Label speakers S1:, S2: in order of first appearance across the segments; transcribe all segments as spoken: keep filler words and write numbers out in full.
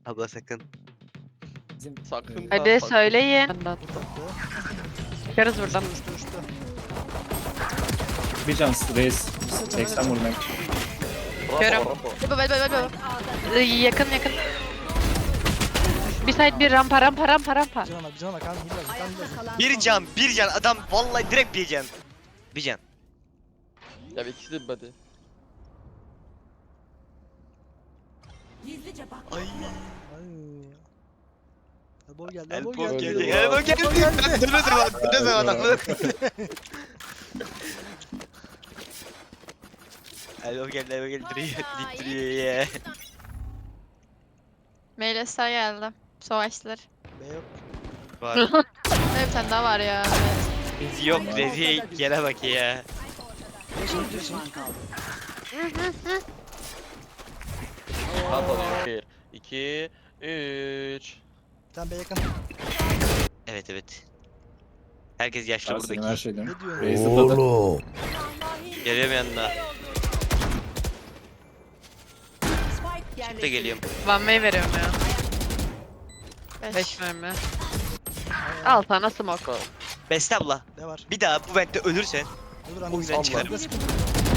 S1: Abla sakın.
S2: Bizim
S3: Sakın.
S4: Hadi
S3: ha, sakın.
S4: söyleyin. Çıkarız
S2: Buradan
S4: buradan.
S2: uçtu uçtu.
S5: Bir can reis. seksen vurdum.
S3: Bravo,
S4: Görüm.
S3: bravo.
S4: Baba baba baba. Ee, Yakın yakın. Bir side bir rampa rampa rampa rampa.
S2: Cana bak cana bak kan hilal kan hilal.
S1: Bir can, bir can. Adam vallahi direkt bir can. Bir can.
S3: Ya bir ikisi de hadi.
S1: Ay.
S2: Ay. Elbow geldi
S1: Elbow
S2: elbow geldi.
S1: geldi. Elbow geldi. Ben dönüyorum bak. Dönüyorum adamı. Elbow geldi. Elbow geldi. Duruyor. Dik duruyor ya.
S6: Meylesler geldi. Savaşçılar.
S2: B yok.
S1: Var.
S6: Ne bir tane daha var ya.
S1: Yok. Rezi gene bak ya.
S2: Geçin geçin.
S3: Rahat ol. Bir, iki, üç.
S2: Tamam B yakın.
S1: Evet evet. Herkes yaşlı
S5: Ersin'in her
S1: buradaki.
S5: şeyden.
S2: Ne diyorsun?
S5: Reis zıpladı.
S1: Geliyorum yanına. Çık da geliyorum.
S4: One way veriyorum ya.
S6: Beş.
S4: Beş mermi. Al sana smoke.
S1: Beste abla.
S2: Ne var?
S1: Bir daha bu ventte ölürsen
S2: Dur
S1: o
S2: anne.
S1: yüzden çıkarım.
S2: Burada sıkıntı.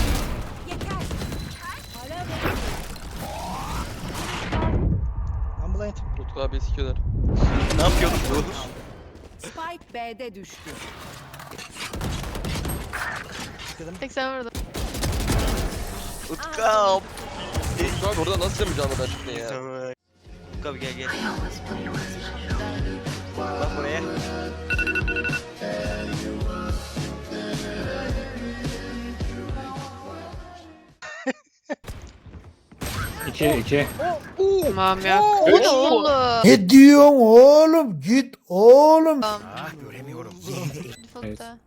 S2: Ambulant.
S3: Utku abi sikiyorlar.
S1: Ne yapıyorduk bu?
S7: Spike B'de düştü.
S2: Sıkıldım.
S6: seksen vurdum.
S1: Utkam.
S3: Utku abi orada nasıl yapacağını ben çıktın ya.
S1: Tamam. Utkam gel gel. Bak buraya.
S5: iki iki.
S4: Tamam ya.
S6: O ne oğlum?
S8: Ne diyorsun oğlum? Git oğlum.
S6: Default'ta.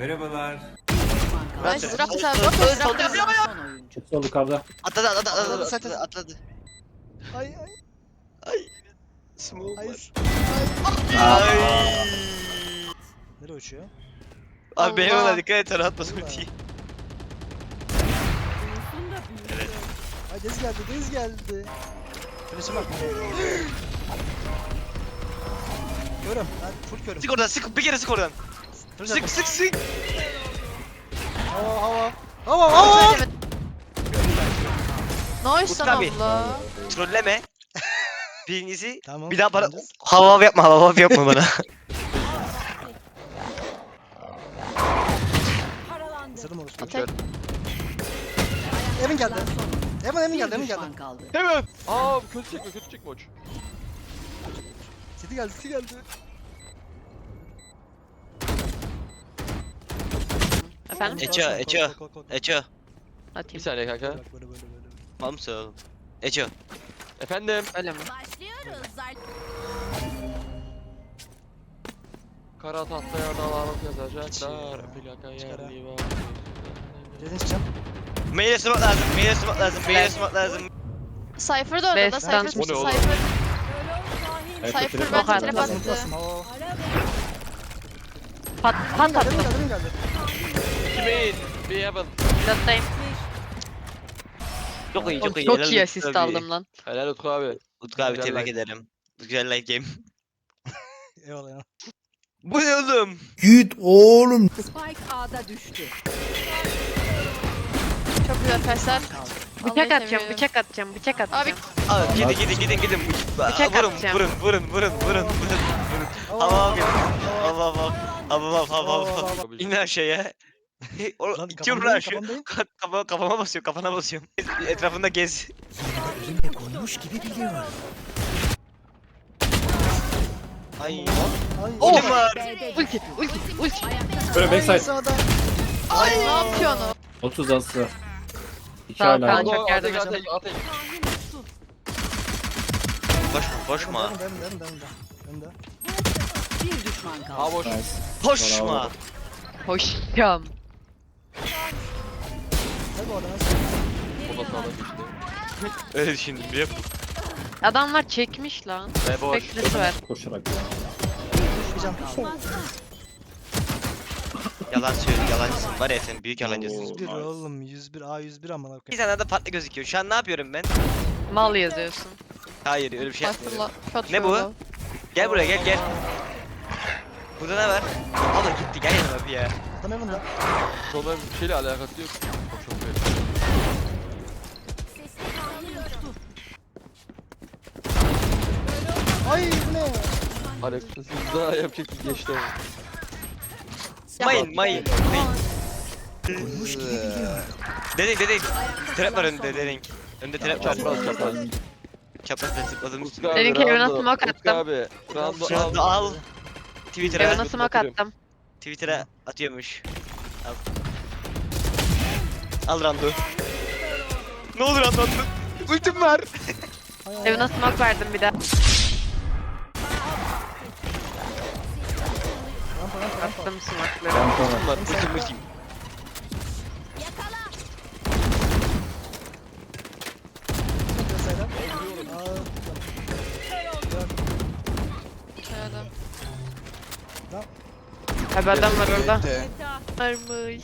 S3: Ben
S6: Nice. Raptor abi. Raptor. Raptor.
S7: Son oyuncu.
S5: Sol yukarıda.
S1: Atladı atladı atladı
S2: Atladı,
S1: atladı atladı.
S2: Ay ay
S1: Ay. Smoke
S2: ay.
S1: var. Ay.
S2: Nereye uçuyor?
S1: Abi benim
S6: Allah.
S1: ona dikkat et sana atmasın
S2: Allah.
S1: ultiyi.
S2: Ay deniz geldi deniz geldi. Flash'e bak. Görüm. Ben full körüm.
S1: Sık oradan sık bir kere sık oradan.
S2: Flash
S1: Sık
S2: attım.
S1: sık sık.
S2: Hava hava. Hava hava.
S6: Nice
S1: Utku
S6: lan
S1: abi.
S6: abla.
S1: Trolleme. Birincisi
S2: Tamam.
S1: bir daha bana
S2: oynayacağız.
S1: hava hava yapma hava hava yapma bana.
S2: Sırdım orası.
S6: Tek.
S2: Emin geldi. Emin Emin
S7: Bir
S2: geldi Emin
S7: düşman
S2: geldi.
S7: kaldı.
S3: Hemen. Aa kötü çekme kötü çekme uç.
S2: City geldi City geldi.
S4: Efendim?
S1: Eço,
S2: Kork, kork,
S1: Eço.
S2: kork, kork, kork.
S1: Eço.
S3: Bir
S4: Atayım.
S3: saniye kanka.
S2: Bak böyle böyle böyle.
S1: Mal mısın oğlum? Eço.
S3: Efendim.
S4: Öyle mi?
S3: Kara tahtaya dağlarıp yazacaklar.
S2: Hiç
S3: Plaka
S2: Çıkar ha.
S3: yerli var.
S2: Red'in çıkacağım.
S1: Maile smoke lazım, maile smoke lazım, maile smoke lazım.
S6: Cypher da orada.
S4: Best
S6: Cypher.
S4: dance.
S3: Bu ne oğlum?
S6: Cypher.
S5: Ayakta
S6: Cypher
S5: trap
S6: bence
S5: var.
S6: trap
S2: Basın
S6: attı.
S2: basın. Hava.
S4: Pat pat
S2: Emin geldi Emin
S4: attım.
S2: geldi Emin geldi.
S3: Kimin? Bir heaven.
S4: Pilottayım.
S1: Çok iyi, çok iyi.
S4: Çok
S1: helal
S4: iyi
S1: olsun,
S4: asist
S1: çok iyi.
S4: aldım lan.
S3: Helal Utku abi.
S1: Utku abi
S3: Güzel
S1: tebrik
S3: like.
S1: ederim. Güzel like game.
S2: Eyvallah ya.
S1: Bu ne oğlum?
S8: Git oğlum.
S7: Spike A'da düştü.
S6: Çok güzel pesler.
S4: Bıçak atacağım, bıçak atacağım, bıçak atacağım.
S1: Abi gidin gidin gidin gidin.
S4: Bıçak
S1: vurun,
S4: atacağım.
S1: vurun vurun vurun vurun vurun vurun. Hava hava yapın. Hava hava hava hava hava hava. İn aşağıya. O
S2: Lan
S1: itiyorum
S2: kafamdayım,
S1: aşağı.
S2: kafamdayım.
S1: Ka- Kafama, kafama basıyorum, kafana basıyorum. Etrafında gez. Ay.
S2: Ay.
S1: Oğlum var.
S7: B'de
S4: Ulti, ulti, ulti.
S5: Böyle backside.
S2: Sağda.
S6: Ay ne yapıyorsun o?
S5: otuz aslı. iki
S4: Sağ ol
S5: hala.
S4: kanka. Çok yardım
S3: Ateş,
S4: edeceğim.
S3: ateş, ateş.
S1: Koşma koşma.
S2: Demin demin demin demin demin de.
S7: bir düşman kaldı.
S3: Ha boş.
S5: Nice.
S1: Koşma.
S4: Hoşçam.
S2: Gel bu arada nasıl?
S3: Bu da sağda geçti.
S1: Öyle düşündüm biliyor musun?
S4: Adamlar çekmiş lan.
S3: Ve boş.
S4: Beklesi var.
S5: Koşarak.
S2: Çıkacağım.
S1: Yalan söylüyor, yalancısın. Var ya sen büyük yalancısın.
S2: yüz bir oğlum yüz bir A yüz bir amına
S1: Bir
S2: koyayım.
S1: tane de farklı gözüküyor. Şu an ne yapıyorum ben?
S4: Mal yazıyorsun.
S1: Hayır öyle bir şey yapmıyorum.
S6: Cypher'la. Shot
S1: Ne bu?
S6: fırla.
S1: Gel buraya gel gel. Burada ne var? Abla gitti gel yanıma bir ya.
S2: Adam evinde.
S3: Sonra bir şeyle alakası yok. O çok iyi.
S2: Ay bu ne?
S3: Alakasız daha yapacak bir geçti ama.
S1: Mayın mayın mayın. Dedek dedek. Trap var önünde dedek. Önünde trap var.
S3: Çapraz çapraz.
S1: Çapraz ben zıpladım
S3: Utku
S1: üstüne.
S3: abi,
S4: Derin Kevin'e
S3: Rando,
S4: smoke
S3: Utku
S4: attım.
S3: abi. Rando
S1: Şu anda
S3: al.
S1: al. Twitter'a
S4: Evan'a smoke attım.
S1: Twitter'a atıyormuş. Al. Al Rando. Ne olur Rando attın. Ultim var.
S2: Hay hay.
S4: Evan'a smoke verdim bir de.
S2: Rampa rampa rampa.
S4: Attım smoke'ları.
S5: Ben sonra.
S3: Var.
S1: Ultim ultim.
S2: Mesela. Aa,
S6: Şöyle.
S4: Abi adam var orada. Varmış.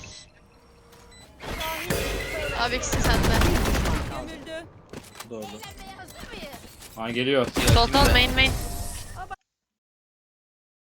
S6: Abi ikisi sende.
S5: Doğru. Ha geliyor.
S4: Soltan main main.